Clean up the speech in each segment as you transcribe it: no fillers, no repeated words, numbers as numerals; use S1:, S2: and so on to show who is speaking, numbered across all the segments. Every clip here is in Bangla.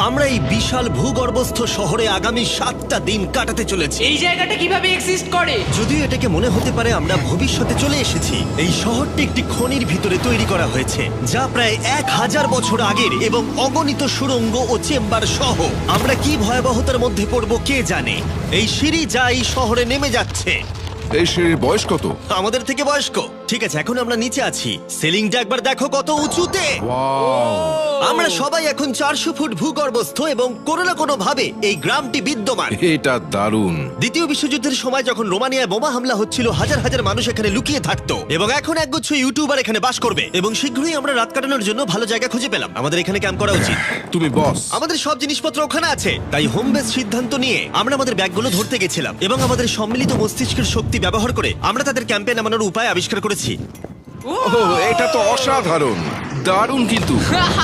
S1: আমরা এই বিশাল ভূগর্ভস্থ শহরে আগামী 7টা দিন কাটাতে চলেছি।
S2: এই জায়গাটা কিভাবে এক্সিস্ট করে?
S1: যদিও এটাকে মনে হতে পারে আমরা ভবিষ্যতে চলে এসেছি, এই শহরটি একটি খনির ভিতরে তৈরি করা হয়েছে যা প্রায় 1000 বছর আগের এবং অগণিত সুড়ঙ্গ ও চেম্বার সহ। আমরা কি ভয়াবহতার মধ্যে পড়ব কে জানে। এই সিঁড়ি যা এই শহরে নেমে যাচ্ছে
S3: এই সিঁড়ির বয়স কত?
S1: আমাদের থেকে বয়স্ক। ঠিক আছে, এখন আমরা নিচে আছি। সিলিংটা একবার দেখো কত উঁচুতে।
S3: ওয়াও!
S1: আমরা সবাই এখন 400 ফুট ভূগর্ভস্থ এবং কোনো না কোনো ভাবে এই গ্রামটি বিদ্যমান।
S3: এটা দারুণ।
S1: দ্বিতীয় বিশ্বযুদ্ধের সময় যখন রোমানিয়ায় বোমা হামলা হচ্ছিল, হাজার হাজার মানুষ এখানে লুকিয়ে থাকতো এবং এখন একগুচ্ছ ইউটিউবার এখানে বাস করবে। এবং শীঘ্রই আমরা রাত কাটানোর জন্য ভালো জায়গা খুঁজে পেলাম। আমাদের এখানে ক্যাম্প করা উচিত।
S3: তুমি বস।
S1: আমাদের সব জিনিসপত্র ওখানে আছে, তাই হোম বেস সিদ্ধান্ত নিয়ে আমরা আমাদের ব্যাগগুলো ধরতে গেছিলাম এবং আমাদের সম্মিলিত মস্তিষ্কের শক্তি ব্যবহার করে আমরা তাদের ক্যাম্পে নামানোর উপায় আবিষ্কার করেছি।
S3: ওহ, এটা তো অসাধারণ, দারুণ। কিন্তু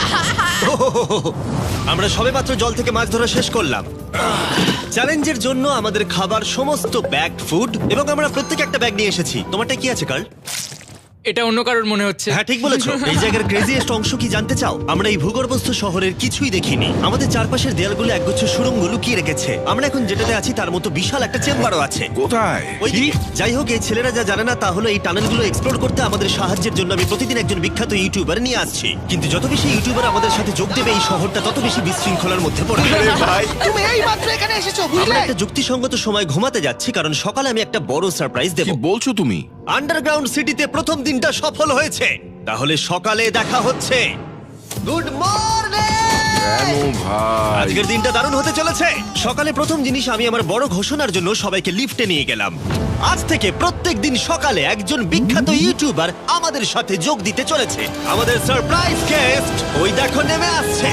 S1: আমরা সবেমাত্র জল থেকে মাছ ধরা শেষ করলাম। চ্যালেঞ্জের জন্য আমাদের খাবার সমস্ত ব্যাগ ফুড এবং আমরা প্রত্যেক একটা ব্যাগ নিয়ে এসেছি। তোমারটা কি আছে কার্ল?
S2: এটা অন্য কারোর মনে হচ্ছে।
S1: হ্যাঁ, ঠিক বলেছো। এই জায়গার ক্রেজিয়েস্ট অংশ কি জানতে চাও? আমরা এই ভূগর্ভস্থ শহরের কিছুই দেখিনি। আমাদের চারপাশের দেয়ালগুলো একগুচ্ছ সুড়ঙ্গ লুকিয়ে রেখেছে। আমরা এখন যেটাতে আছি তার মতো বিশাল একটা চেম্বারও আছে।
S3: কোথায়?
S1: ওইদিকে। যাই হোক, এই ছেলেরা যা জানে না তা হলো এই টানেলগুলো এক্সপ্লোর করতে আমাদের সাহায্যের জন্য আমি প্রতিদিন একজন বিখ্যাত ইউটিউবার নিয়ে আসছি। কিন্তু যত বেশি ইউটিউবার আমাদের সাথে যোগ দেবে, এই শহরটা তত বেশি বিশৃঙ্খলার মধ্যে পড়বে। ভাই,
S4: তুমি এই মাত্র এখানে এসেছো,
S1: আমরা
S4: বুঝলে?
S1: একটা যুক্তিসঙ্গত সময় ঘুমাতে যাচ্ছি কারণ সকালে আমি একটা বড় সারপ্রাইজ দেব।
S3: কি বলছো তুমি?
S1: আন্ডারগ্রাউন্ড সিটিতে প্রথম দিনটা সফল হয়েছে। তাহলে সকালে দেখা হচ্ছে। Good morning!
S3: কেন ভাই?
S1: আজকের দিনটা দারুণ হতে চলেছে। সকালে প্রথম জিনিস, আমি আমার বড় ঘোষণার জন্য সবাইকে লিফটে নিয়ে গেলাম। আজ থেকে প্রত্যেক দিন সকালে একজন বিখ্যাত ইউটিউবার আমাদের সাথে যোগ দিতে চলেছে। আমাদের সারপ্রাইজ গেস্ট ওই দেখো নেমে আসছে,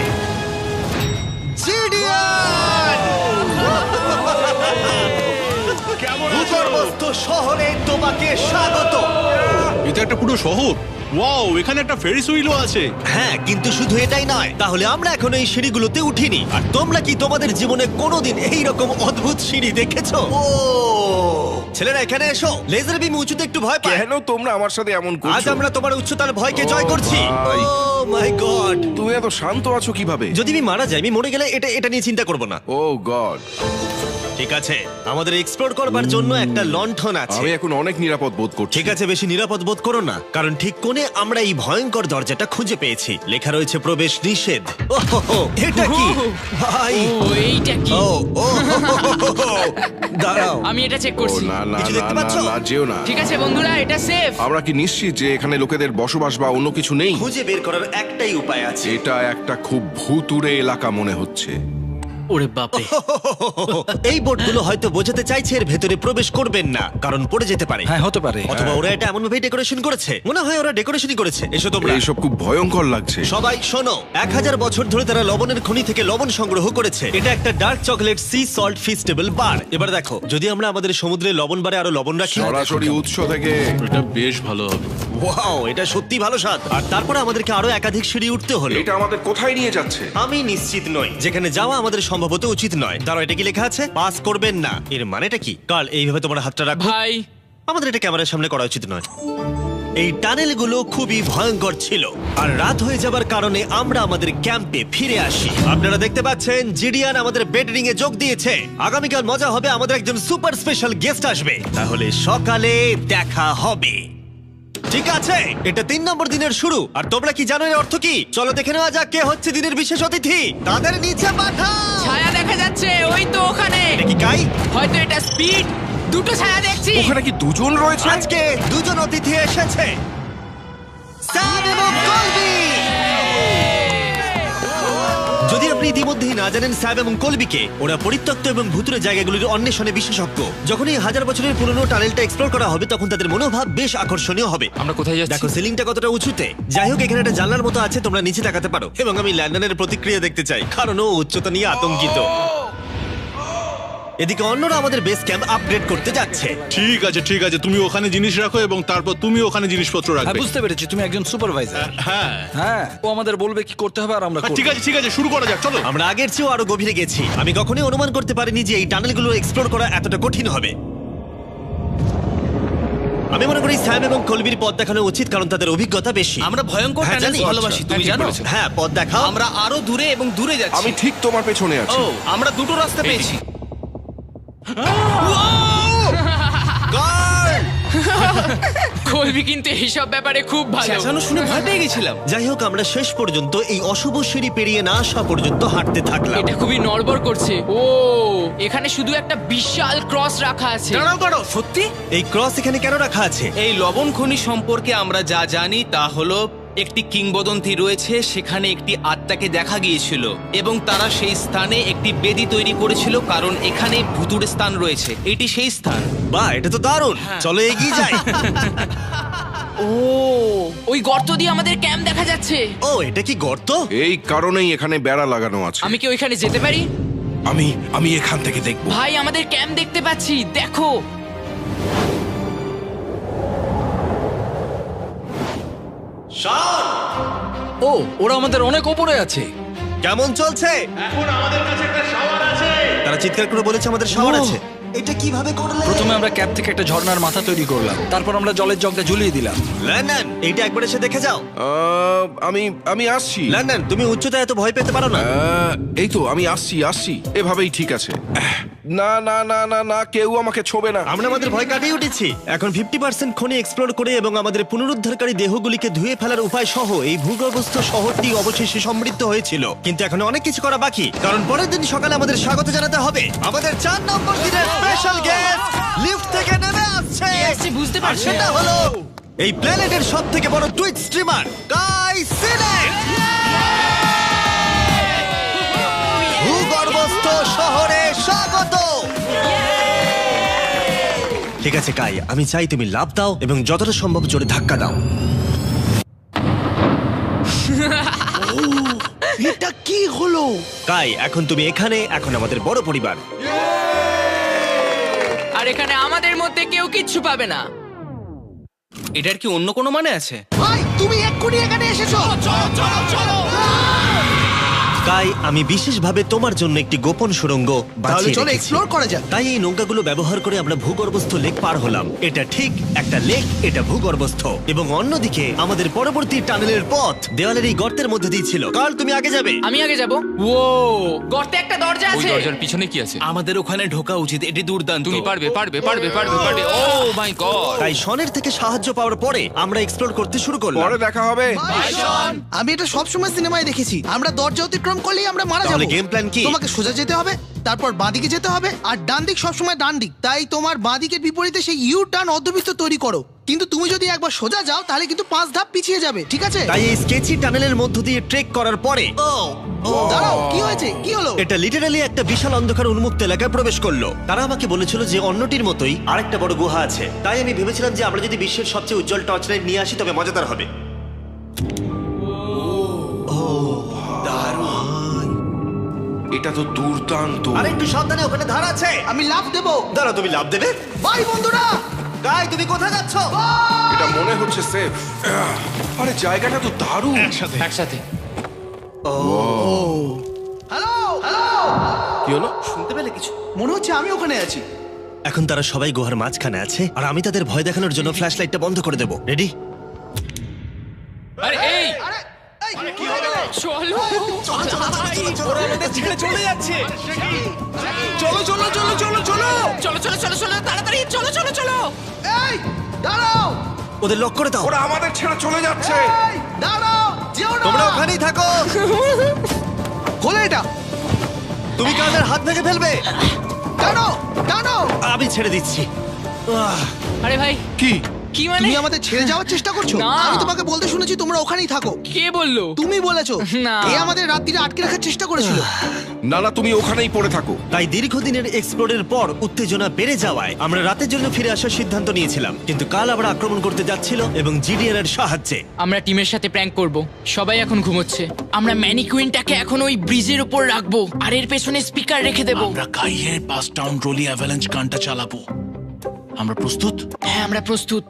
S1: জিডিয়ান! ভূগর্ভস্থ শহরে তোমাকে স্বাগত।
S5: এটা একটা পুরো শহর। ওয়াও, এখানে একটা ফেরিস হুইলও আছে।
S1: হ্যাঁ, কিন্তু শুধু এটাই নয়। তাহলে আমরা এখনো এই সিঁড়িগুলোতে উঠিনি। আর তোমরা কি তোমাদের জীবনে কোনোদিন এইরকম অদ্ভুত সিঁড়ি দেখেছো? ও ছেলেরা, এখানে এসো। লেজার বিম উঁচুতে একটু ভয় পায়।
S3: কেন তোমরা আমার সাথে এমন
S1: আজ
S3: করছো?
S1: আমরা তোমার উচ্চতার ভয়কে
S3: ও
S1: জয় করছি।
S3: ভাই।
S1: Oh my god!
S3: তুমি এত শান্ত আছো কিভাবে?
S1: যদি আমি মারা যাই, আমি মরে গেলে এটা নিয়ে চিন্তা করব না।
S3: Oh god!
S1: ঠিক আছে, আমাদের এক্সপ্লোর করবার জন্য একটা লণ্ঠন আছে।
S3: আমি এখন অনেক নিরাপদ বোধ করছি।
S1: ঠিক আছে, বেশি নিরাপদ বোধ করো না, কারণ ঠিক কোণে আমরা এই ভয়ঙ্কর দরজাটা খুঁজে পেয়েছি। লেখা রয়েছে প্রবেশ নিষেধ। ওহো, এটা কি ভাই?
S2: ও, এইটা কি?
S1: ও ও দাঁড়াও,
S2: আমি এটা চেক
S3: ও
S2: করছি।
S3: না না
S1: কিছু
S3: না
S1: দেখতে
S3: না
S1: পাচ্ছো?
S3: না, যেও না।
S2: ঠিক আছে বন্ধুরা, এটা সেফ।
S3: আমরা কি নিশ্চিত যে এখানে লোকেদের বসবাস বা অন্য কিছু নেই?
S1: খুঁজে বের করার একটাই উপায় আছে।
S3: এটা একটা খুব ভুতুড়ে এলাকা মনে হচ্ছে।
S2: ওরে বাপরে।
S1: এই বোর্ডগুলো হয়তো বোঝাতে চাইছে এর ভেতরে প্রবেশ করবেন না, কারণ পড়ে যেতে পারে।
S4: হ্যাঁ, হতে পারে।
S1: অথবা ওরা এটা এমন ভাবে ডেকোরেশন করেছে, মনে হয় ওরা ডেকোরেশনই করেছে। এসো তোমরা।
S3: এইসব খুব ভয়ঙ্কর লাগছে।
S1: সবাই শোনো, 1000 বছর ধরে তারা লবণের খনি থেকে লবণ সংগ্রহ করেছে। এটা একটা dark chocolate sea salt Feastables bar. এবার দেখো, যদি আমরা আমাদের সমুদ্রে লবণ বারে আরো লবণ রাখি।
S3: সরাসরি উৎস থেকে।
S5: এটা বেশ ভালো হবে।
S1: ওয়াও, এটা সত্যি ভালো স্বাদ। আর তারপরে আমাদেরকে আরো একাধিক সিঁড়ি উঠতে হলো।
S3: এটা আমাদের কোথায় নিয়ে যাচ্ছে?
S1: আমি নিশ্চিত নই। যেখানে যাওয়া আমাদের সম্ভবত উচিত নয়। দাঁড়াও, এটা কি লেখা আছে? পাস করবেন না। এর মানেটা কি? কাল এইভাবে তোমার হাতটা রাখো।
S2: ভাই,
S1: আমাদের এটা ক্যামেরার সামনে করা উচিত নয়। এই টানেলগুলো খুবই ভয়ঙ্কর ছিল, আর রাত হয়ে যাবার কারণে আমরা আমাদের ক্যাম্পে ফিরে আসি। আপনারা দেখতে পাচ্ছেন জিডিয়ান আমাদের বেডরিং এ যোগ দিয়েছে। আগামীকাল মজা হবে, আমাদের একজন সুপার স্পেশাল গেস্ট আসবে। তাহলে সকালে দেখা হবে। ঠিক আছে, এটা 3 নম্বর দিনের শুরু। আর তোমরা কি জানো এর অর্থ কি? চলো দেখে নেওয়া যাক কে হচ্ছে দিনের বিশেষ অতিথি। তাদের নিচে পাঠাও।
S2: ছায়া দেখা যাচ্ছে, ওই তো ওখানে।
S1: এটা কি কাই?
S2: হয়তো এটা স্পিড। দুটো ছায়া দেখছি।
S3: ওখানে কি দুজন রয়েছে?
S1: আজকে দুজন অতিথি এসেছে, স্যাম এবং কলবি। যদি আপনি ইতিমধ্যেই না জানেন স্যাব এবং কলবিকে, ওরা পরিত্যক্ত এবং ভুতুরে জায়গাগুলির অন্বেষণে বিশেষজ্ঞ। যখন এই 1000 বছরের পুরনো টানেলটা এক্সপ্লোর করা হবে, তখন তাদের মনোভাব বেশ আকর্ষণীয় হবে।
S2: আমরা কোথায় যাচ্ছি?
S1: দেখো সিলিংটা কতটা উঁচুতে। যাই হোক, এখানে একটা জানলার মতো আছে, তোমরা নিচে তাকাতে পারো। এবং আমি ল্যান্ডনের প্রতিক্রিয়া দেখতে চাই, কারণ ও উচ্চতা নিয়ে আতঙ্কিত। এদিকে অন্যরা আমাদের বেস ক্যাম্প আপগ্রেড করতে যাচ্ছে।
S5: ঠিক আছে ঠিক আছে, তুমি ওখানে জিনিস রাখো এবং তারপর তুমি ওখানে জিনিসপত্র
S4: হ্যাঁ,
S5: রাখবে।
S4: বুঝতে পেরেছি, তুমি একজন সুপারভাইজার।
S5: হ্যাঁ
S4: হ্যাঁ, ও আমাদের বলবে কি করতে হবে আর আমরা করব।
S5: ঠিক আছে, শুরু করা যাক, চলো।
S1: আমরা আগের চেয়েও আরো গভীরে গেছি। আমি কখনোই অনুমান করতে পারিনি যে এই টানেলগুলো এক্সপ্লোর করা এতটা কঠিন হবে। আমি মনে করি স্যাম এবং কলবির পথ দেখানো উচিত, কারণ তাদের অভিজ্ঞতা বেশি।
S6: আমরা ভয়ঙ্কর
S1: হ্যাঁ,
S6: টানেলস
S1: জানি।
S6: ভালোবাসি, তুমি জানো?
S1: হ্যাঁ, পথ দেখাও।
S6: আমরা আরো দূরে এবং দূরে যাচ্ছি।
S3: আমি ঠিক তোমার পেছনে আছি।
S6: ও, আমরা দুটো রাস্তা পেয়েছি।
S2: কলবি কিন্তু এইসব ব্যাপারে খুব ভালো।
S6: চেঁচানো শুনে ভয় পেয়ে গেছিলাম।
S1: যাই হোক, আমরা শেষ পর্যন্ত এই অশুভ সিঁড়ি পেরিয়ে না আসা পর্যন্ত হাঁটতে থাকলাম।
S2: এটা খুবই নড়বড় করছে। ও, এখানে শুধু একটা বিশাল ক্রস রাখা আছে।
S6: দাঁড়াও দাঁড়াও, সত্যি?
S1: এই ক্রস এখানে কেন রাখা আছে?
S6: এই লবণ খনি সম্পর্কে আমরা যা জানি তা হলো একটি কিংবদন্তি রয়েছে, সেখানে একটি আত্মাকে দেখা গিয়েছিল এবং তারা সেই স্থানে একটি বেদি তৈরি করেছিল, কারণ এখানে ভুতুড়ে স্থান রয়েছে। এটি সেই স্থান।
S1: বাহ, এটা তো দারুণ। চলো এগিয়ে যাই।
S2: ও, ওই গর্ত দিয়ে আমাদের ক্যাম্প দেখা যাচ্ছে।
S1: ও, এটা কি গর্ত?
S3: এই কারণেই এখানে বেড়া লাগানো আছে।
S2: আমি কি ওইখানে যেতে পারি?
S3: আমি এখান থেকে দেখব।
S2: ভাই, আমাদের ক্যাম্প দেখতে পাচ্ছি, দেখো।
S4: ও, ওরা আমাদের অনেক ওপরে আছে।
S1: কেমন চলছে? তারা চিৎকার করে বলেছে আমাদের শাওয়ার
S4: ও।
S1: আছে। এটা কিভাবে করলে?
S4: প্রথমে আমরা ক্যাপ থেকে একটা ঝর্ণার মাথা তৈরি করলাম, তারপর আমরা জলের জগটা ঝুলিয়ে দিলাম।
S1: লন্ডন, এইটা একবার এসে দেখে যাও।
S3: আমি আসছি।
S1: লন্ডন, তুমি উচ্চতায় এত ভয় পেতে পারো না।
S3: এই তো আমি আসছি। এভাবেই ঠিক আছে। না না না না না, কেউ আমাকে ছোবে না।
S1: আমরা আমাদের ভয় কাটিয়ে উঠেছি। এখন 50% খনি এক্সপ্লোর করে এবং আমাদের পুনরুদ্ধারকারী দেহগুলিকে ধুয়ে ফেলার উপায় সহ এই ভূগর্ভস্থ শহরটি অবশেষে সমৃদ্ধ হয়েছিল। কিন্তু এখন অনেক কিছু করা বাকি, কারণ পরের দিন সকালে আমাদের স্বাগত জানাতে হবে আমাদের 4 নম্বর দিনের স্পেশাল গেস্ট লিফট থেকে নেমে আসছে।
S2: কে আসছে বুঝতে
S1: আর
S2: পারছি
S1: সেটা
S2: না।
S1: হলো এই প্ল্যানেটের সবথেকে বড় টুইট স্ট্রিমার গাই সিনেট। ভূগর্ভস্থ শহরে স্বাগত। ঠিক আছে কাই, আমি চাই তুমি লাফ দাও এবং যতটা সম্ভব জোরে ধাক্কা দাও।
S4: এটা কি হলো?
S1: কাই, এখন তুমি এখানে, এখন আমাদের বড় পরিবার।
S2: আর এখানে আমাদের মধ্যে কেউ কিচ্ছু পাবে না।
S6: এটার কি অন্য কোনো মানে আছে?
S4: ভাই, তুমি এক্ষুনি এখানে এসেছো।
S1: কাই, আমি বিশেষভাবে তোমার জন্য একটি গোপন সুড়ঙ্গ বাছিয়ে
S4: চলো
S1: রেখেছি।
S4: এক্সপ্লোর করা যাক।
S1: তাই এই নৌকাগুলো ব্যবহার করে আমরা ভূগর্ভস্থ লেক পার হলাম। এটা ঠিক একটা লেক, এটা ভূগর্ভস্থ, এবং অন্যদিকে আমাদের পরবর্তী টানেলের পথ দেওয়ালের এই গর্তের মধ্যে দিয়ে ছিল। কাল, তুমি আগে যাবে।
S2: আমি আগে যাব। ও, গর্তে একটা দরজা
S7: ওই
S2: আছে।
S7: দরজার পিছনে কি আছে?
S6: আমাদের ওখানে ঢোকা উচিত, এটি দুর্দান্ত।
S7: তুমি পারবে পারবে পারবে পারবে পারবে। Oh my god!
S1: তাই শনের থেকে সাহায্য পাওয়ার পরে আমরা এক্সপ্লোর করতে শুরু করলাম।
S3: পরে দেখা হবে।
S8: আমি এটা সবসময় সিনেমায় দেখেছি, আমরা দরজা অতিক্রম করলেই আমরা মারা
S1: তাহলে
S8: যাবো।
S1: গেম প্ল্যান কি?
S8: তোমাকে সোজা যেতে হবে, তারপর বাঁদিকে যেতে হবে, আর ডান দিক সবসময় ডান দিক। তাই তোমার বাঁদিকের বিপরীতে সেই ইউ টার্ন অর্ধবৃত্ত তৈরি করো। কিন্তু তুমি যদি একবার সোজা যাও তাহলে কিন্তু 5 ধাপ পিছিয়ে যাবে, ঠিক আছে?
S1: তাই এই স্কেচি টানেলের মধ্য দিয়ে ট্রেক করার পরে
S8: দাঁড়াও, কি হয়েছে? কি হলো?
S1: এটা লিটারালি একটা বিশাল অন্ধকার উন্মুক্ত এলাকায় প্রবেশ করলো। তারা আমাকে বলেছিল যে অন্যটির মতোই আরেকটা বড় গুহা আছে। তাই আমি ভেবেছিলাম যে আমরা যদি বিশ্বের সবচেয়ে উজ্জ্বল টর্চ লাইট নিয়ে আসি তবে মজাদার হবে।
S3: এটা তো দুর্দান্ত।
S1: আরে একটু সাবধানে, ওখানে ধার আছে।
S8: আমি লাফ দেবো।
S1: দাঁড়াও, তুমি লাভ দেবে?
S8: বাই বন্ধুরা।
S1: গাই, তুমি কোথায় যাচ্ছ?
S3: এটা মনে হচ্ছে সেফ। আরে জায়গাটা তো দারুণ।
S7: একসাথে।
S8: হ্যালো হ্যালো,
S3: কি হলো?
S6: শুনতে পেলে কিছু?
S8: মনে হচ্ছে আমি ওখানে আছি।
S1: এখন তারা সবাই গুহার মাঝখানে আছে, আর আমি তাদের ভয় দেখানোর জন্য ফ্ল্যাশ লাইটটা বন্ধ করে দেবো। রেডি?
S7: আরে এই
S8: আরে এই, কি হয়ে গেল?
S2: চলো।
S6: ছেড়ে চলে যাচ্ছে। চলো চলো চলো চলো চলো।
S2: চলো চলো চলো চলো, তাড়াতাড়ি চলো চলো চলো।
S8: এই দাঁড়াও,
S1: ওদের লক করে দাও।
S3: ওরা আমাদের ছেড়ে চলে যাচ্ছে।
S8: এই দাঁড়াও, যেও না।
S1: তোমরা ওখানেই থাকো।
S8: খোলো এটা।
S1: তুমি কাদের হাত ভেঙে ফেলবে।
S8: টানো টানো।
S1: আমি ছেড়ে দিচ্ছি।
S2: আরে ভাই,
S3: কি?
S2: কি মানে?
S8: তুমি আমাদের ছেড়ে যাওয়ার চেষ্টা করছো?
S2: না।
S8: আমি তোমাকে বলতে শুনেছি তোমরা ওখানেই থাকো।
S2: কে বললো?
S8: তুমি বলেছো।
S2: না।
S8: এ আমাদের রাত্রিরে আটকে রাখার চেষ্টা করেছিল।
S3: না না, তুমি ওখানেই পড়ে থাকো।
S1: তাই দীর্ঘদিনের এক্সপ্লোরের পর উত্তেজনা বেড়ে যাওয়ায় আমরা রাতের জন্য ফিরে আসার সিদ্ধান্ত নিয়েছিলাম। কিন্তু কাল আবার আক্রমণ করতে যাচ্ছিল এবং জিডিআর এর সাহায্যে।
S2: আমরা টিমের সাথে প্র্যাঙ্ক করব। সবাই এখন ঘুমোচ্ছে। আমরা ম্যানিকুইনটাকে এখন ওই ব্রিজের উপর রাখবো আর এর পেছনে স্পিকার রেখে দেব।
S5: আমরা কাইয়ের পাস টাউন রোলি অ্যাভালাঞ্চ গানটা চালাবো। আমরা প্রস্তুত?
S2: হ্যাঁ, আমরা প্রস্তুত।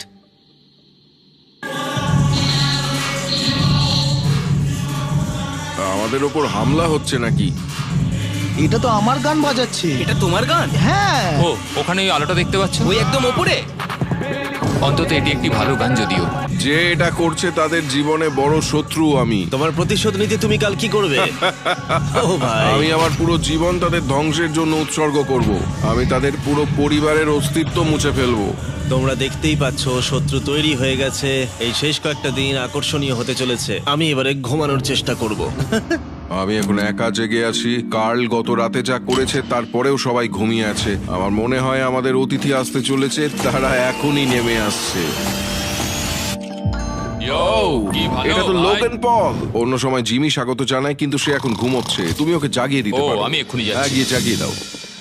S3: আমাদের ওপর হামলা হচ্ছে নাকি?
S8: এটা তো আমার গান বাজাচ্ছে।
S6: এটা তোমার গান?
S8: হ্যাঁ।
S7: ও, ওখানে ওই আলোটা দেখতে পাচ্ছ?
S6: ওই একদম ওপরে।
S7: অন্তত এটি একটি ভালো গান যদিও।
S3: যে এটা করছে তাদের জীবনে বড় শত্রু আমি।
S1: তোমার প্রতিশোধ নিতে তুমি কাল কি করবে? ও ভাই,
S3: আমি আমার পুরো জীবন তাদের ধ্বংসের জন্য উৎসর্গ করব। আমি তাদের পুরো পরিবারের অস্তিত্ব মুছে ফেলবো।
S1: তোমরা দেখতেই পাচ্ছ শত্রু তৈরি হয়ে গেছে। এই শেষ কয়েকটা দিন আকর্ষণীয় হতে চলেছে। আমি এবারে ঘুমানোর চেষ্টা করব।
S3: আমি এখন একা জেগে আছি। কার্ল গত রাতে যা করেছে তারপরেও সবাই ঘুমিয়ে আছে। আমার মনে হয় আমাদের অতিথি আসতে চলেছে, তারা এখনই নেমে আসছে।
S7: কি ভালো
S3: এটা তো
S7: ভাই।
S3: Logan Paul. অন্য সময় জিমি স্বাগত জানায়, কিন্তু সে এখন ঘুমোচ্ছে। তুমি ওকে জাগিয়ে দিতে
S7: ও,
S3: পারো।
S7: আমি এক্ষুনি যাচ্ছি।
S3: হ্যাঁ, গিয়ে জাগিয়ে দাও।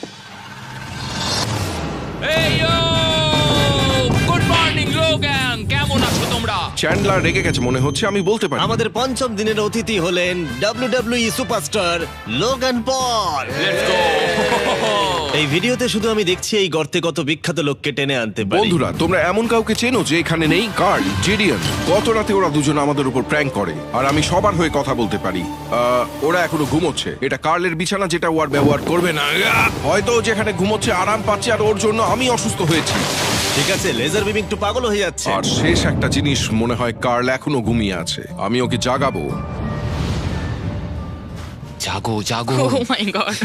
S7: এই গুড মর্নিং লোগান, কেমন আছো তোমরা?
S3: চ্যান্ডলার রেগে গেছে মনে হচ্ছে, আমি বলতে পারি।
S1: আমাদের পঞ্চম দিনের অতিথি হলেন WWE superstar Logan Paul.
S7: Let's go.
S1: এই ভিডিওতে শুধু আমি দেখছি এই গর্তে কত বিখ্যাত লোককে টেনে আনতে পারি।
S3: বন্ধুরা, তোমরা এমন কাউকে চেনো যে এখানে নেই? Karl, Jidion. গত রাতে ওরা দুজন আমাদের উপর প্র্যাঙ্ক করে, আর আমি সবার হয়ে কথা বলতে পারি। ওরা এখনো ঘুমোচ্ছে। এটা কার্লের বিছানা, যেটা ও আর ব্যবহার করবে না। হয়তো ও যেখানে ঘুমোচ্ছে আরাম পাচ্ছে, আর ওর জন্য আমি অসুস্থ হয়েছি।
S1: ঠিক আছে, লেজার বিম একটু পাগল হয়ে যাচ্ছে।
S3: আর শেষ একটা জিনিস, মনে হয় কার্ল এখনো ঘুমিয়ে আছে। আমি ওকে জাগাবো।
S7: জাগো জাগো।
S2: ও মাই গড,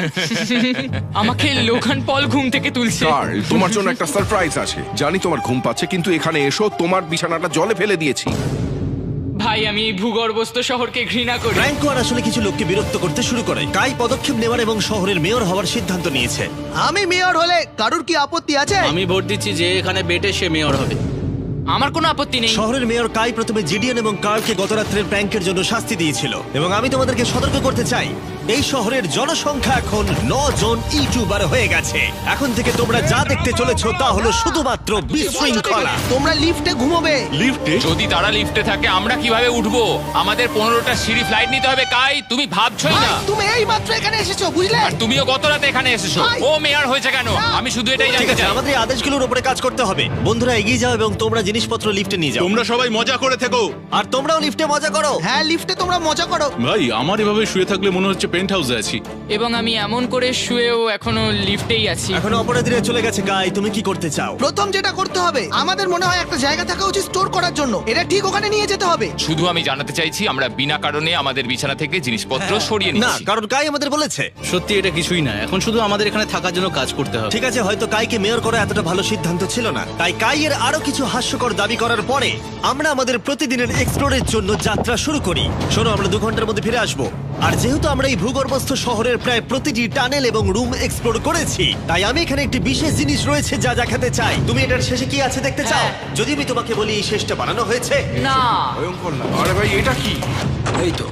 S2: আমাকে লোগান পল ঘুম থেকে তুলছে।
S3: কার্ল, তোমার জন্য একটা সারপ্রাইজ আছে। জানি তোমার ঘুম পাচ্ছে, কিন্তু এখানে এসো, তোমার বিছানাটা জলে ফেলে দিয়েছি।
S2: ভাই, আমি এই ভূগর্ভস্থ শহরকে ঘৃণা করি।
S1: ফ্র্যাঙ্কো আর আসলে কিছু লোককে বিরক্ত করতে শুরু করে। কাই পদক্ষেপ নেওয়ার এবং শহরের মেয়র হওয়ার সিদ্ধান্ত নিয়েছে।
S8: আমি মেয়র হলে কারুর কি আপত্তি আছে?
S9: আমি ভোট দিচ্ছি যে এখানে বেটে সে মেয়র হবে।
S2: আমার কোনো আপত্তি নেই।
S1: শহরের মেয়র কাই প্রথমে জিডিএন এবং কার্লকে গত রাত্রের প্র্যাঙ্কের জন্য শাস্তি দিয়েছিল, এবং আমি তোমাদেরকে সতর্ক করতে চাই, এই শহরের জনসংখ্যা এখন 9 জন ইউটিউবার হয়ে গেছে। এখন থেকে তোমরা যা দেখতে চলেছো তা হলো শুধুমাত্র বিশৃঙ্খলা।
S8: তোমরা লিফটে ঘুমোবে।
S7: যদি তারা লিফটে থাকে আমরা কিভাবে উঠবো? আমাদের 15টা সিঁড়ি ফ্লাইট নিতে হবে। কাই, তুমি ভাবছোই
S8: ভাই,
S7: না।
S8: তুমি এই মাত্র এখানে এসেছো, বুঝলে?
S7: আর তুমিও গত রাতে এখানে এসেছো।
S8: ভাই।
S7: ও মেয়র হয়েছে কেন? আমি শুধু এটাই
S1: ঠিক
S7: জানতে
S1: আছে,
S7: চাই।
S1: আমাদের এই আদেশগুলোর উপরে কাজ করতে হবে। বন্ধুরা এগিয়ে যাও এবং তোমরা জিনিসপত্র লিফটে নিয়ে যাও।
S5: তোমরা সবাই মজা করে থেকো।
S1: আর তোমরাও লিফটে মজা করো।
S8: হ্যাঁ, লিফটে তোমরা মজা করো।
S5: ভাই, আমার এভাবে শুয়ে থাকলে মনে হচ্ছে পেন্ট হাউসে আছি।
S2: এবং আমি এমন করে শুয়েও এখনো লিফটেই আছি।
S1: এখন অপরাধীরা চলে গেছে। কাই, তুমি কি করতে চাও?
S8: প্রথম যেটা করতে হবে, আমাদের মনে হয় একটা জায়গা থাকা উচিত স্টোর করার জন্য। এটা ঠিক ওখানে নিয়ে যেতে হবে।
S7: শুধু আমি জানাতে চাইছি আমরা বিনা কারণে আমাদের বিছানা থেকে জিনিসপত্র সরিয়ে
S1: না,
S7: নিচ্ছি।
S1: কারণ কাই আমাদের বলেছে।
S9: সত্যি এটা কিছুই না, এখন শুধু আমাদের এখানে থাকার জন্য কাজ করতে হবে।
S1: ঠিক আছে, হয়তো কাইকে মেয়র করা এতটা ভালো সিদ্ধান্ত ছিল না। তাই কাইয়ের আরো কিছু হাস্যকর দাবি করার পরে আমরা আমাদের প্রতিদিনের এক্সপ্লোরের জন্য যাত্রা শুরু করি। শোনো, আমরা 2 ঘন্টার মধ্যে ফিরে আসবো। আর যেহেতু আমরা এই ভূগর্ভস্থ শহরের প্রায় প্রতিটি টানেল এবং রুম এক্সপ্লোর করেছি, তাই আমি এখানে একটি বিশেষ জিনিস রয়েছে যা দেখাতে চাই। তুমি এটার শেষে কি আছে দেখতে চাও? যদি আমি তোমাকে বলি এই শেষটা বানানো হয়েছে।
S2: না,
S3: ভয়ঙ্কর না? আরে ভাই, এটা কি?
S4: এই তো।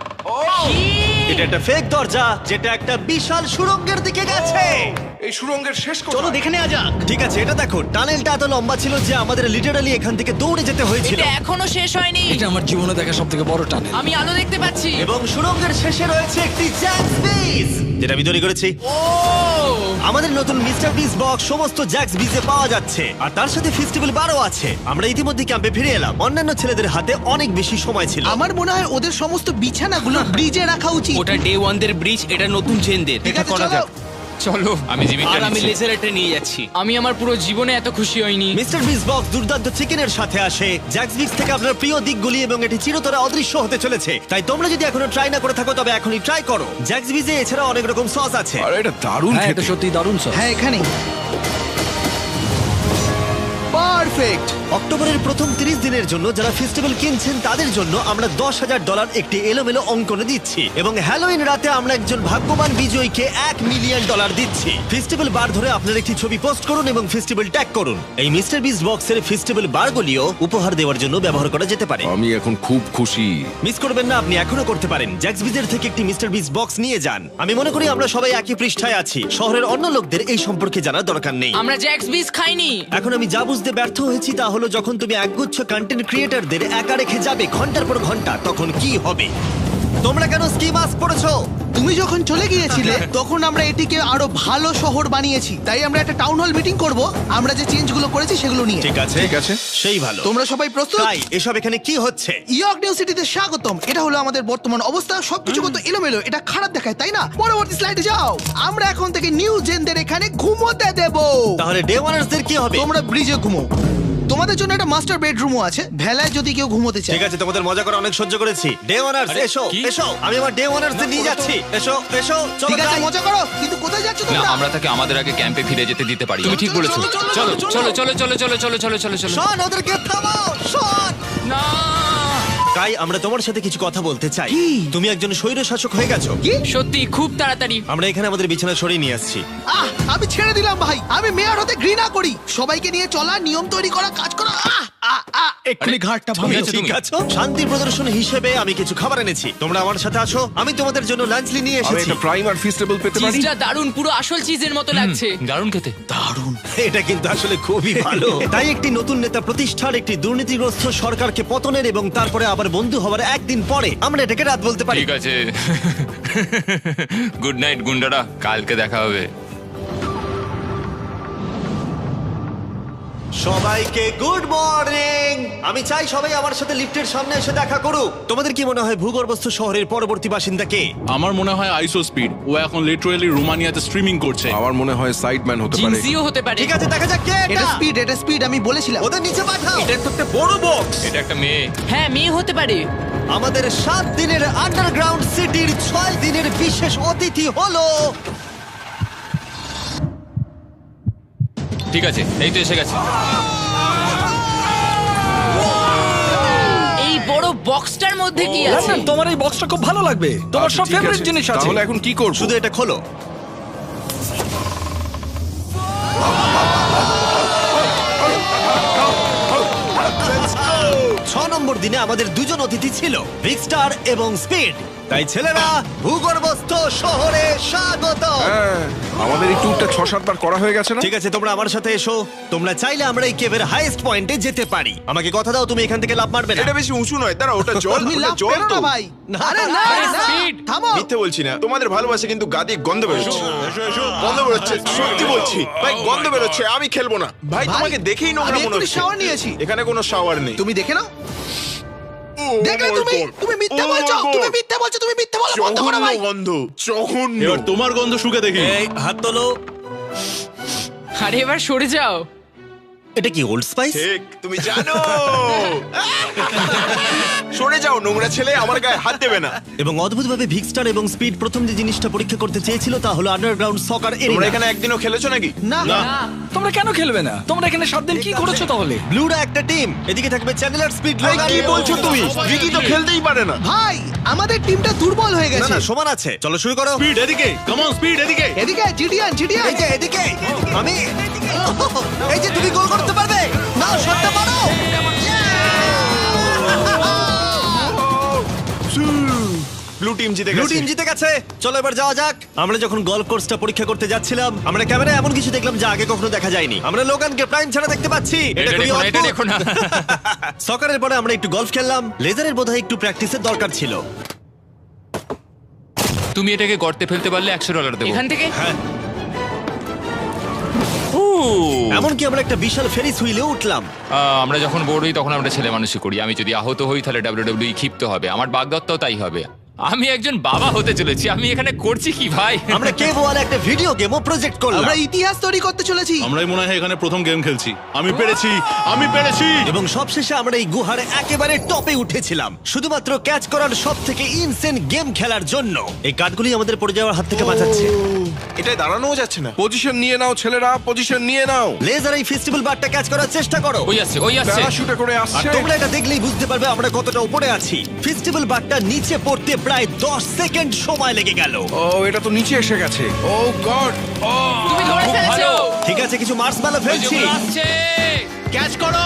S1: এটা একটা ফেক দরজা যেটা একটা বিশাল সুড়ঙ্গের দিকে গেছে।
S3: এই সুড়ঙ্গের শেষ
S9: চলো
S3: কোথায়?
S9: দেখে নেওয়া যাক।
S1: ঠিক আছে, এটা দেখো, টানেলটা এত লম্বা ছিল যে আমাদের লিটারালি এখান থেকে দৌড়ে যেতে হয়েছিল।
S2: এটা এখনো শেষ হয়নি।
S4: এটা আমার জীবনে দেখা সব থেকে বড় টানেল।
S2: আমি আলো দেখতে পাচ্ছি।
S1: এবং সুড়ঙ্গের শেষে রয়েছে একটি জ্যাক্স বিস, যেটা আমি তৈরি করেছি। আমাদের নতুন মিস্টার বিস বক্স সমস্ত জ্যাক্স বিজে পাওয়া যাচ্ছে, আর তার সাথে ফেস্টিভ্যাল বারও আছে। আমরা ইতিমধ্যে ক্যাম্পে ফিরে এলাম। অন্যান্য ছেলেদের হাতে অনেক বেশি সময় ছিল।
S8: আমার মনে হয় ওদের সমস্ত বিছানাগুলো ব্রিজে রাখা উচিত।
S6: ওটা ডে 1 দের ব্রিজ, এটা নতুন জেনদের।
S8: ঠিক
S6: এটা
S8: আছে,
S6: করা
S8: চলো।
S6: যাক।
S2: চলো।
S7: আমি জিমিটা
S6: আর আমি
S7: নিচ্ছি।
S6: লেজারটা নিয়ে যাচ্ছি।
S2: আমি আমার পুরো জীবনে এত খুশি হইনি।
S1: মিস্টার বিস বক্স দুর্দান্ত চিকেনের সাথে আসে, জ্যাক্স বিক্স থেকে আপনার প্রিয় দিকগুলি, এবং এটি চিরতরে অদৃশ্য হতে চলেছে। তাই তোমরা যদি এখনো ট্রাই না করে থাকো তবে এখনই ট্রাই করো। জ্যাক্স বিজে এছাড়া অনেক রকম সস আছে।
S3: আরে এটা দারুণ
S4: হ্যাঁ, এটা
S3: খেতে।
S4: সত্যি দারুণ সব।
S8: হ্যাঁ, এখানে পারফেক্ট।
S1: অক্টোবরের প্রথম 30 দিনের জন্য যারা ফেস্টিভ্যাল কিনছেন তাদের জন্য আমরা $10,000 একটি এলোমেলো অঙ্কনে দিচ্ছি, এবং হ্যালোইন রাতে আমরা একজন ভাগ্যবান বিজয়ীকে $1 মিলিয়ন দিচ্ছি। ফেস্টিভ্যাল বার ধরে আপনার একটি ছবি পোস্ট করুন এবং ফেস্টিভ্যাল ট্যাগ করুন। এই মিস্টার বিস বক্সের ফেস্টিভ্যাল বারগুলিও উপহার দেওয়ার জন্য ব্যবহার করা যেতে পারে।
S3: আমি এখন খুব খুশি।
S1: মিস করবেন না, আপনি এখনো করতে পারেন। জ্যাক্স বিজের থেকে একটি মিস্টার বিস বক্স নিয়ে যান। আমি মনে করি আমরা সবাই একই পৃষ্ঠায় আছি। শহরের অন্য লোকদের এই সম্পর্কে জানার দরকার নেই।
S2: আমরা জ্যাক্স বিস খাইনি।
S1: এখন আমি যা বুঝতে ব্যর্থ হয়েছি তা হলো, যখন তুমি একগুচ্ছ কন্টেন্ট ক্রিয়েটরদের একা রেখে যাবে ঘন্টার পর ঘন্টা, তখন কি হবে? তোমরা কেন স্কি মাস্ক পরেছো?
S8: তুমি যখন চলে গিয়েছিলে তখন আমরা এটিকে আরো ভালো শহর বানিয়েছি। তাই আমরা একটা টাউন হল মিটিং করব, আমরা যে চেঞ্জগুলো করেছি সেগুলো নিয়ে।
S1: ঠিক আছে,
S3: ঠিক আছে।
S1: সেই ভালো।
S8: তোমরা সবাই প্রস্তুত?
S1: তাই এসব এখানে কি হচ্ছে?
S8: ইয়র্ক নিউ সিটিতে স্বাগতম। এটা হলো আমাদের বর্তমান অবস্থা। সবকিছু কত এলোমেলো, এটা খারাপ দেখায়, তাই না? পরবর্তী স্লাইডে যাও। আমরা এখন থেকে নিউ জেনদের এখানে ঘুমোতে দেব।
S1: তাহলে ডে ওয়ানার্সদের কি হবে?
S8: তোমরা ব্রিজে ঘুমো। তোমাদের জন্য একটা মাস্টার বেডরুমও আছে, ভেলায় যদি কেউ ঘুমোতে চায়।
S1: ঠিক আছে, তোমাদের মজা করে অনেক সহ্য করেছি। ডে ওয়ানার্স এসো এসো, আমি আমার ডে ওয়ানার্স নিয়ে যাচ্ছি। এসো এসো, চলো
S8: ঠিক আছে,
S1: যাই।
S8: মজা করো, কিন্তু কোথায় যাচ্ছ
S7: না
S8: তোমরা?
S7: আমরা তাকে আমাদের আগে ক্যাম্পে ফিরে যেতে দিতে পারি। তুমি ঠিক বলেছো।
S8: চলো,
S7: চলো চলো চলো চলো চলো চলো চলো চলো চলো।
S1: শোন, ওদেরকে থামাও, শোন।
S7: না
S1: কাই, আমরা তোমার সাথে কিছু কথা বলতে চাই। তুমি একজন স্বৈরশাসক হয়ে গেছো।
S2: সত্যি খুব তাড়াতাড়ি।
S1: আমরা এখানে আমাদের বিছানা সরিয়ে নিয়ে আসছি।
S8: আমি ছেড়ে দিলাম ভাই, আমি মেয়র হতে ঘৃণা করি। সবাইকে নিয়ে চলা, নিয়ম তৈরি করা, কাজ করা।
S4: এক্ষুনি ঘাটটা
S7: তুমি
S4: ভাঙলো।
S7: আছো
S1: ঠিক
S7: তুমি?
S1: আছে, শান্তি প্রদর্শন হিসেবে আমি কিছু খাবার এনেছি। তোমরা আমার সাথে আসো, আমি তোমাদের জন্য লাঞ্চলি নিয়ে
S3: আমি
S1: এসেছি।
S3: একটা প্রাইম আর ফিস্টেবল পেতে পারি?
S2: চিজটা দারুন, পুরো আসল চিজের মতো লাগছে।
S7: দারুণ খেতে।
S1: এটা কিন্তু আসলে খুবই ভালো। তাই একটি নতুন নেতা প্রতিষ্ঠার, একটি দুর্নীতিগ্রস্ত সরকারকে পতনের এবং তারপরে আবার বন্ধু হওয়ার একদিন পরে আমরা এটাকে রাত বলতে পারি।
S7: ঠিক আছে। গুড নাইট গুন্ডারা, কালকে দেখা হবে।
S1: সবাইকে গুড মর্নিং। আমি চাই সবাই আমার সাথে লিফটের সামনে এসে দেখা করুক। তোমাদের কি মনে হয় ভূগর্ভস্থ শহরের পরবর্তী বাসিন্দা কে?
S5: আমার মনে হয় আইসো স্পিড, ও এখন লিটারালি রোমানিয়াতে স্ট্রিমিং করছে।
S3: আমার মনে হয় সাইডম্যান হতে পারে।
S2: জিনসিও হতে পারে।
S1: ঠিক আছে, দেখা যাক কে
S8: এটা
S1: এটা।
S8: স্পিড, এটা স্পিড, আমি বলেছিলাম।
S1: ওদের নিচে পাঠাও।
S7: এটা একটা মেয়ে।
S2: হ্যাঁ, মেয়ে হতে পারে।
S1: আমাদের 7 দিনের আন্ডারগ্রাউন্ড সিটির 6 দিনের বিশেষ অতিথি হলো
S7: ঠিক আছে, এই তো এসে গেছে।
S2: এই বড় বক্সটার মধ্যে কি আছে?
S4: লন্ডন, তোমার এই বক্সটা খুব ভালো লাগবে, তোমার
S3: আচ্ছা,
S4: সব
S3: ঠিক
S4: ফেভারিট
S3: আছে।
S4: জিনিস আছে।
S3: তাহলে এখন কি করব?
S1: শুধু এটা খোলো। ছ নম্বর দিনে আমাদের দুজন অতিথি ছিল, ভিক্সটার এবং স্পিড। তাই ছেলেরা, ভূগর্ভস্থ শহরে স্বাগত।
S3: হ্যাঁ, আমাদের এই ট্যুরটা 6-7 বার করা হয়ে গেছে না?
S1: ঠিক আছে, তোমরা আমার সাথে এসো। তোমরা চাইলে আমরা এই কেভের হাইয়েস্ট পয়েন্টে যেতে পারি। আমাকে কথা দাও, তুমি এখান থেকে লাফ মারবে না।
S10: এটা বেশি উঁচু নয়, দাঁড়া, ওটা জল,
S8: তুমি
S10: ওটা
S8: লাভ
S10: জল
S8: করো
S10: তো।
S8: না ভাই।
S1: না,
S8: আরে না,
S2: আরে
S8: না,
S2: speed।
S8: থামো।
S10: মিথ্যে বলছি না, তোমাদের ভালোবাসে কিন্তু গাদি গন্ধ বেরোচ্ছে। গন্ধ বেরোচ্ছে, সত্যি বলছি ভাই, গন্ধ বেরোচ্ছে। আমি খেলবো না ভাই,
S8: ভাই,
S10: তোমাকে দেখেই নোংরা
S8: আমি
S10: মনে
S8: এক্ষুনি
S10: হচ্ছে।
S8: shower নিয়েছি।
S10: এখানে কোনো শাওয়ার নেই।
S8: তুমি দেখে নাও।
S10: ও
S8: দেখলে
S10: my
S8: তুমি,
S10: God!
S8: তুমি মিথ্যে
S10: Oh my
S8: বলছো,
S10: God!
S8: তুমি মিথ্যে বলছো, তুমি মিথ্যে বলা বন্ধ করো
S10: জঘন্য
S8: ভাই।
S10: গন্ধ, জঘন্য।
S5: এবার তোমার গন্ধ শুকে দেখি।
S1: এই হাত তোলো।
S2: আরে এবার সরে যাও।
S1: এটা কি ওল্ড স্পাইস?
S10: ঠিক, তুমি জানো। সরে যাও নোংরা ছেলে, আমার গায়ে হাত দেবে না।
S1: এবং অদ্ভুতভাবে ভিক্সটার এবং স্পিড প্রথম যে জিনিসটা পরীক্ষা করতে চেয়েছিল তা হলো আন্ডারগ্রাউন্ড সকার
S10: তোমরা
S1: এরিয়া।
S10: এখানে একদিনও খেলেছো নাকি?
S8: না,
S4: তোমরা কেন খেলবে না? তোমরা এখানে 7 দিন কি করেছো তাহলে?
S1: ব্লুরা একটা টিম, এদিকে থাকবে চ্যানেলার, স্পিড,
S10: ভাই,
S1: লোগান।
S10: কি বলছো তুমি? রিকি তো খেলতেই পারে না।
S8: ভাই, আমাদের টিমটা দুর্বল হয়ে
S1: না
S8: গেছে।
S1: না, সমান আছে। চলো শুরু করো।
S5: স্পিড এদিকে, কাম অন স্পিড এদিকে।
S8: এদিকে জিডিয়ান, জিডিয়ান।
S1: এই যে এদিকে, আমি এই যে তুমি গোল করতে পারবে না, শটটা মারো।
S10: ব্লু টিম জিতে
S1: ব্লু
S10: গেছে।
S1: টিম জিতে গেছে। চলো এবার যাওয়া যাক। আমরা যখন গলফ কোর্সটা পরীক্ষা করতে যাচ্ছিলাম, আমরা ক্যামেরায় এমন কিছু দেখলাম যা আগে কখনো দেখা যায়নি। আমরা লোগানকে প্রাইম ছাড়া দেখতে পাচ্ছি।
S7: এটা
S1: খুবই
S7: দেখো না, এটা
S1: অদ্ভুত।
S7: দেখো না।
S1: সকারের পরে আমরা একটু গলফ খেললাম। লেজারের বোধহয় একটু প্র্যাকটিসের দরকার ছিল।
S7: তুমি এটাকে গর্তে ফেলতে পারলে $100 দেবো।
S2: এখান থেকে
S1: এমনকি আমরা একটা বিশাল ফেরিস হুইলে উঠলাম।
S7: আমরা যখন বোর হই তখন আমরা ছেলে মানুষই করি। আমি যদি আহত হই তাহলে WWE ক্ষিপ্ত হবে, আমার বাগদত্তাও তাই হবে। আমি একজন বাবা হতে চলেছি, আমি এখানে করছি কি ভাই?
S1: আমরা কেভ ওয়ালে একটা ভিডিও গেমও প্রজেক্ট করলাম।
S8: আমরা ইতিহাস তৈরি করতে চলেছি।
S5: আমরাই মনে হয় এখানে প্রথম গেম খেলছি। আমি পেরেছি, আমি পেরেছি।
S1: এবং সবশেষে আমরা এই গুহার একেবারে টপে উঠেছিলাম শুধুমাত্র ক্যাচ করার সব থেকে ইনসেন গেম খেলার জন্য। এই কাঠগুলি আমাদের পড়ে যাওয়ার হাত থেকে বাঁচাচ্ছে।
S10: এটাই দাঁড়ানোও যাচ্ছে না।
S3: পজিশন নিয়ে নাও ছেলেরা, পজিশন নিয়ে নাও।
S1: লেজার এই ফেস্টিভ্যাল বারটা ক্যাচ করার চেষ্টা করো।
S7: ওই আসছে, ওই আসছে।
S3: প্যারাশুটে করে
S1: আর
S3: আসছে।
S1: তোমরা এটা দেখলেই বুঝতে পারবে আমরা কতটা উপরে আছি। ফেস্টিভ্যাল বারটা নিচে পড়তে প্রায় 10 সেকেন্ড সময় লেগে গেল।
S3: ও, এটা তো নিচে এসে গেছে। ও গড। ও,
S2: তুমি ধরে
S7: খুব
S2: ফেলেছো।
S7: ভালো।
S1: ঠিক আছে, কিছু মার্সম্যালো
S7: ওই যে
S1: ফেলছি।
S7: ওগুলো আসছে।
S9: ক্যাচ করো।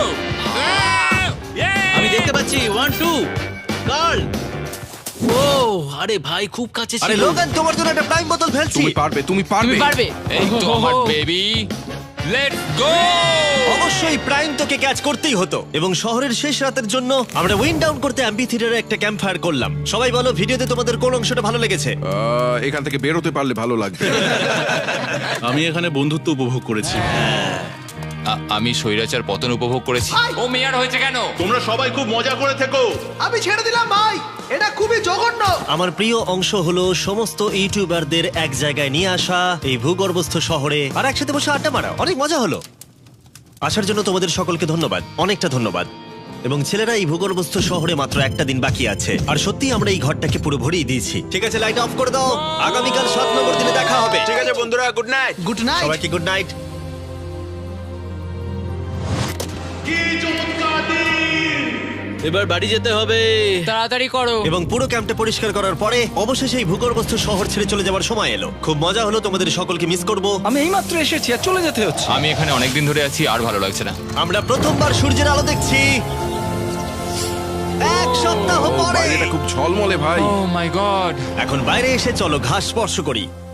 S9: আমি দেখতে পাচ্ছি 1 2 গার্ল। ও আরে ভাই, খুব কাছে
S1: আরে
S9: ছিল।
S1: লোগান, তোমার জন্য একটা প্রাইম বোতল ফেলছি।
S3: তুমি পারবে, তুমি পারবে।
S2: তুমি পারবে।
S7: এই তো আমার বেবি, লেটস গো।
S1: অবশ্যই প্রাইম তোকে ক্যাচ করতেই হতো। এবং শহরের শেষ রাতের জন্য আমরা উইন্ড ডাউন করতে অ্যাম্পি থিয়েটারে একটা ক্যাম্প ফায়ার করলাম। সবাই বলো, ভিডিওতে তোমাদের কোন অংশটা ভালো লেগেছে?
S3: এখান থেকে বেরোতে পারলে ভালো লাগবে।
S5: আমি এখানে বন্ধুত্ব উপভোগ করেছি।
S7: আমি স্বৈরাচার পতন উপভোগ করেছি। ও মেয়ার হয়েছে কেন?
S5: তোমরা সবাই খুব মজা করে থেকো।
S8: আমি ছেড়ে দিলাম ভাই, এটা খুবই জঘন্য।
S1: আমার প্রিয় অংশ হলো সমস্ত ইউটিউবারদের এক জায়গায় নিয়ে আসা এই ভূগর্ভস্থ শহরে আর একসাথে বসে আড্ডা মারা। অনেক মজা হলো। আসার জন্য তোমাদের সকলকে ধন্যবাদ, অনেকটা ধন্যবাদ। এবং ছেলেরা, এই ভূগর্ভস্থ শহরে মাত্র একটা দিন বাকি আছে, আর সত্যি আমরা এই ঘরটাকে পুরো ভরিয়ে দিয়েছি। ঠিক আছে, লাইট অফ করে দাও। আগামীকাল 7 নম্বর দিনে দেখা হবে।
S10: ঠিক আছে বন্ধুরা, গুড নাইট।
S8: Good night.
S1: সবাইকে গুড নাইট।
S9: এবার বাড়ি যেতে হবে।
S2: তাড়াতাড়ি করো।
S1: এবং পুরো ক্যাম্পটা পরিষ্কার করার পরে অবশেষে এই ভূগর্ভস্থ শহর ছেড়ে চলে যাওয়ার সময় এলো। খুব মজা হলো, তোমাদের সকলকে মিস করব।
S4: আমি এইমাত্র এসেছি আর চলে যেতে হচ্ছে।
S7: আমি এখানে অনেকদিন ধরে আছি, আর ভালো লাগছে না।
S1: আমরা প্রথমবার সূর্যের আলো দেখছি 1 সপ্তাহ পরে।
S3: বাইরেটা খুব ঝলমলে ভাই।
S7: Oh my god.
S1: এখন বাইরে এসে চলো ঘাস স্পর্শ করি।